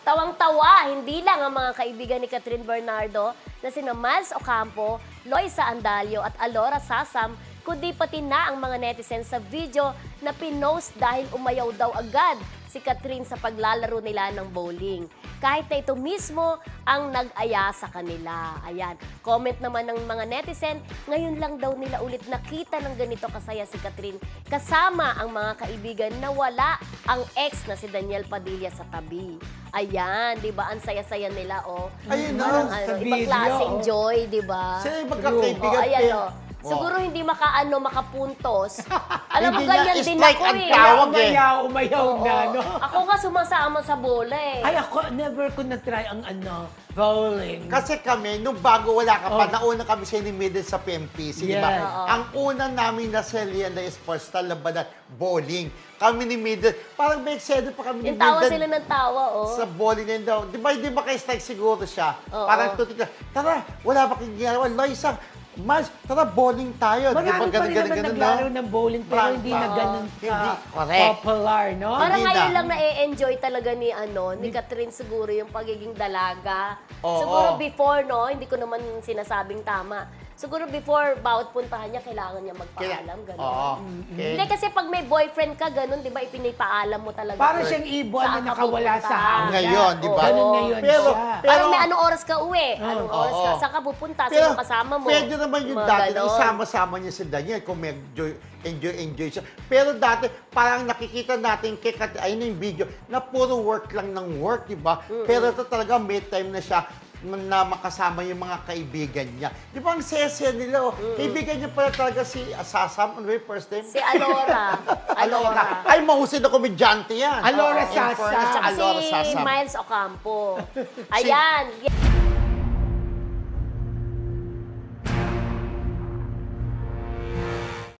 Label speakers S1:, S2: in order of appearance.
S1: Tawang-tawa, hindi lang ang mga kaibigan ni Catherine Bernardo na sina Miles Ocampo, Loisa Andalio at Alora Sasam, kundi pati na ang mga netizens sa video na pinost dahil umayaw daw agad si Catherine sa paglalaro nila ng bowling. Kahit na ito mismo ang nag-aya sa kanila. Ayan, comment naman ng mga netizen, ngayon lang daw nila ulit nakita ng ganito kasaya si Catherine kasama ang mga kaibigan na wala ang ex na si Daniel Padilla sa tabi. Ayan, di ba? Ang saya-saya nila, oh.
S2: Ayun na,
S1: Parang,
S2: sa
S1: ibang
S2: video,
S1: klaseng
S2: oh.
S1: joy, di ba?
S2: Sila yung magkakaibigan.
S1: Oh, ayan,
S2: pero-
S1: oh. Siguro hindi makapuntos. Alam mo,
S2: Hindi
S1: ganyan
S2: na,
S1: din
S2: strike
S1: ako
S2: ang
S1: eh.
S2: tawag eh.
S3: Umayaw
S1: Oo.
S3: na, no?
S1: Ako nga sumasama sa bola eh.
S3: Ay, ako, never ko na-try ang bowling.
S2: Kasi kami, nung bago wala ka pa,
S3: Oh.
S2: nauna kami sa inimided sa PMPC, di ba?
S3: Yes.
S1: Oo.
S2: Ang una namin na selya na sports na labanan, bowling. Kami ni Middle, parang may excited pa kami ni
S1: Yung tawa
S2: Middle
S1: sila ng tawa, oh.
S2: sa bowling na yun daw. Di ba kayo strike siguro siya?
S1: Oo.
S2: Parang tutik na, tara, wala ba kayong ginagawa? Loisa, Mas, tara, bowling tayo. Di ba
S3: Marami pa rin naman naglaro ng bowling pero hindi na ganun
S2: Hindi, correct.
S3: popular, no?
S1: Parang
S2: Hindi
S1: ngayon
S2: na.
S1: lang na-enjoy talaga ni Catherine siguro yung pagiging dalaga.
S2: Oo.
S1: Siguro before, no, hindi ko naman sinasabing tama. Siguro before, bawat puntahan niya, kailangan niya magpaalam, gano'n.
S2: Oo.
S1: Hindi kasi pag may boyfriend ka, gano'n, di ba, ipinipaalam mo talaga.
S3: Parang siyang ibon
S1: Saan
S3: na
S1: ka
S3: nakawala
S1: pupunta.
S3: sa hanggan.
S2: Ngayon, di ba?
S3: Ganun ngayon
S2: Pero-
S3: siya.
S1: Parang may anong oras ka uwi, anong oras ka,
S2: Oo.
S1: saan ka pupunta,
S2: Pero
S1: sino kasama mo.
S2: pwede naman yung
S1: Mga
S2: dati na
S1: ganon.
S2: isama-sama niya si Daniel kung may enjoy siya. Pero dati, parang nakikita natin kay ayun na yung video, na puro work lang ng work, di ba? Pero ito talaga may time na siya na makasama yung mga kaibigan niya. Di ba ang sese nila, oh. Kaibigan niya pala talaga si Sasam, ano ba yung first name?
S1: Si Alora. Alora.
S2: Ay, mahusay na komedyante yan.
S3: Alora
S2: In
S3: Sasam.
S2: fairness,
S1: Tsaka
S2: Alora
S1: si
S2: Sasam.
S1: Miles Ocampo. Ayan.